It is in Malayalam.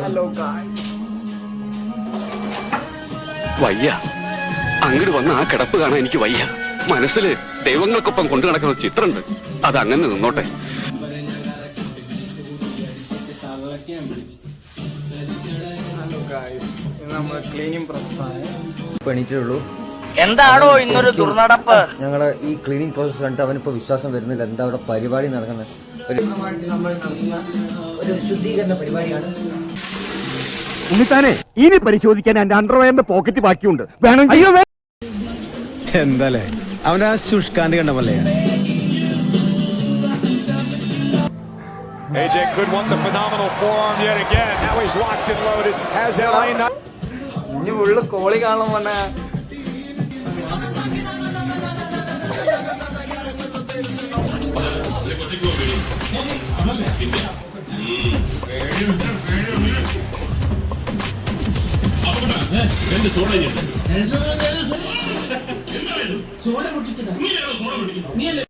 Hello guys. വയ്യ, അങ്ങോട്ട് വന്ന ആ കിടപ്പ് കാണാൻ എനിക്ക് വയ്യ. മനസ്സിൽ ദൈവങ്ങൾക്കൊപ്പം കൊണ്ടു നടക്കുന്ന ചിത്രമുണ്ട്, അത് അങ്ങനെ നിന്നോട്ടെ. ഹലോ ഗായ്സ്, ഇത് നമ്മുടെ ക്ലീനിങ് പ്രോസസ്സാണ്. എണീറ്റുള്ളൂ. എന്താണോ ഇന്നൊരു ദുർനടപ്പ്? ഞങ്ങളുടെ ഈ ക്ലീനിങ് പ്രോസസ് കണ്ടിട്ട് അവനിപ്പോ വിശ്വാസം വരുന്നില്ല. എന്താ അവിടെ പരിപാടി നടക്കുന്നത്? നമ്മൾ നടത്തുന്ന ഒരു ശുദ്ധീകരണ പരിപാടിയാണ്. ഉണ്ണിത്താനെ, ഇനി പരിശോധിക്കാൻ എന്റെ അണ്ടർവെയറിന്റെ പോക്കറ്റ് ബാക്കിയുണ്ട്, വേണം. അയ്യോ എന്താലേ അവന്റെ ആ ശുഷ്കാന്തി കണ്ട പോലെ. AJ could want the phenomenal forearm yet again. Now he's locked and loaded. Has LA not? ഇനി ഉള്ളു കോളി കാണാൻ പോണേ. സോഡ പൊട്ടിച്ചതാ.